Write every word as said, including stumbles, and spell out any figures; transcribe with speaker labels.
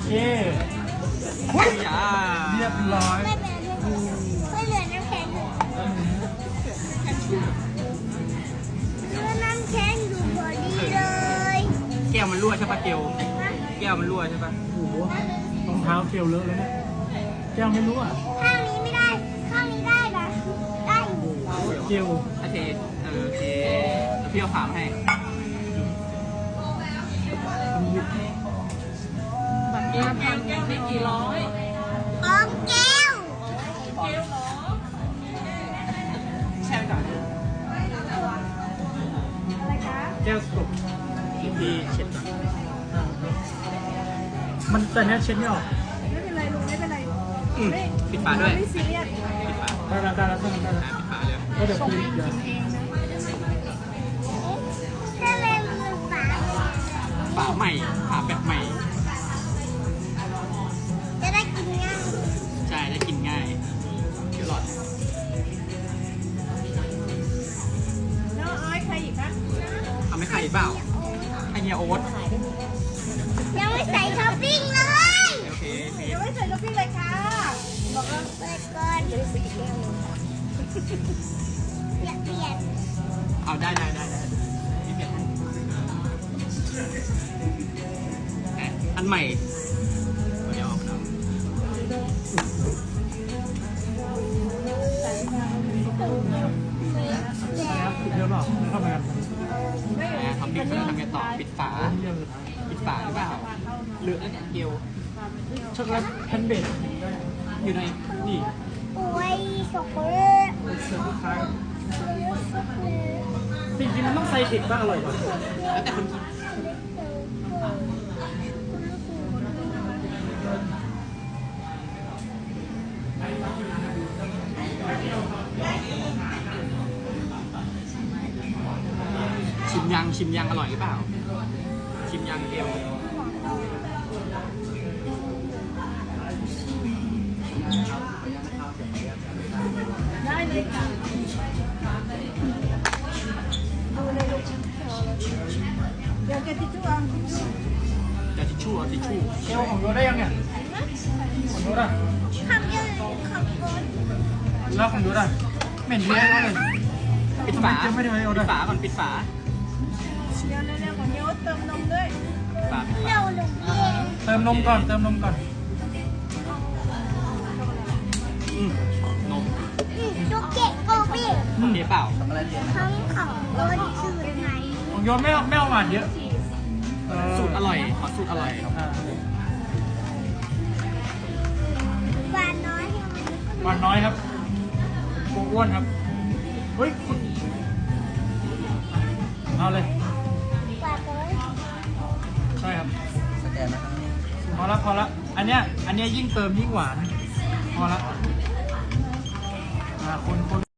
Speaker 1: เคหุ้ยเรียบร้อย
Speaker 2: ไม่เหลือน้ำแข็งอยู่เหลือน้ำแข็งอยู่พอดีเลย
Speaker 3: แก้วมันรั่วใช่ปะเกลแก้วมันรั่วใช่ปะ
Speaker 1: โอ้โหรองเท้าเกลเลอะเลยเนี่ยแก้วไม่รู้อ่ะ
Speaker 2: ข้างนี้ไม่ได้ข้างนี้ได้นะได้
Speaker 1: เกล
Speaker 3: โอเคเออโอเคแล้วพี่เอาฝามาให้
Speaker 4: บัตรแก้วแก้วแก้วได้กี่ร้อย
Speaker 2: ของแก้ว
Speaker 4: แก้วเหรอ
Speaker 3: แช่ไปก่อน
Speaker 2: อะไรคะ
Speaker 1: แก้วสก
Speaker 3: พี่เช็ดก่อน
Speaker 1: มันแต่เนี้ยเช็ดไม่ออก
Speaker 4: ไม่เป็นไรลุงไม่เป็นไร
Speaker 3: ปิดฝาด้วย
Speaker 4: ไม่ซีเรียส
Speaker 3: ปิดฝา
Speaker 1: ได้แล้วได้แล้วได้แล้ว
Speaker 3: ปิดฝาเลย
Speaker 1: ก็เดี๋ยวคุยเดี๋ยว
Speaker 2: ถ้าเล่นมือฝา
Speaker 3: ฝาใหม่ฝาแบบใหม่
Speaker 2: จะได้กินง่าย
Speaker 3: ใช่ได้กินง่ายเดี๋ยวหลอด
Speaker 4: น้องอ้อยใครอีกคะ
Speaker 3: ทำให้ใครเปล่าไอเฮียโอ๊ต
Speaker 2: ยังไม่ใส่ท็อปปิ้งเลย
Speaker 3: โอเค
Speaker 4: เดี๋ยวไม่ใส่กาแฟเลยค่ะบอกแล้ว
Speaker 2: เปิดก่อนจะได้ซื้ออีกแก้วนึงอยากเปลี่ยน
Speaker 3: เอาได้ได้ได้ได้อันใหม่เดี๋ยวออกนะ
Speaker 1: เดี๋ยวหรอเข้ามากัน
Speaker 3: ทำปิดทำไงต่อปิดฝาปิดฝาหรือเปล่าเหลือแล้วเนี่ยเกล
Speaker 1: ช็อกโกแลตแพนเบด
Speaker 3: อยู่ในนี่
Speaker 2: โอ้ยช็อกโกแลต
Speaker 1: เสิร์ฟลูกค้าจริงๆมันต้องใส่เทคบ้างอร่อยกว่า
Speaker 3: แล้วแต่คนกินชิมยังชิมยังอร่อยหรือเปล่าชิมยังเกล
Speaker 4: ได้เลยค่ะดูเลยลูกเดี๋ยวแกทิชชู่เอาทิชชู่
Speaker 3: จะทิชชู่เอาทิชชู่
Speaker 1: เกลของโยได้ยังเนี่ยของโยได้
Speaker 2: ทำยังทำก่อน
Speaker 1: แล้วของโยได้เหม็นเยอะเลย
Speaker 3: ปิดฝา
Speaker 1: ไม่ได้เอา
Speaker 3: ปิดฝาก่อนปิดฝา
Speaker 4: เดี๋ยวเร็วๆของโยเติมนมด้วย
Speaker 3: ฝา
Speaker 2: เร็วหนึ่งเอง
Speaker 1: เติมนมก่อนเติมนมก่อน
Speaker 3: อืมนม
Speaker 2: จุกเกะโกบี้
Speaker 3: เดี๋ยวเปล่า
Speaker 2: ทั้งของโดนสูตรไหน
Speaker 1: ของโยไม่เอาไม่เอาหวานเยอะ
Speaker 3: สูตรอร่อยขอสูตรอร่อย
Speaker 2: หวานน้อย
Speaker 1: หวานน้อยครับโกอ้วนครับเฮ้ยเอาเลย
Speaker 2: หวานน้อย
Speaker 1: ใช่ครับสแกนนะครับพอละพอละอันเนี้ยอันเนี้ยยิ่งเติมยิ่งหวานพอละอ่าคนคน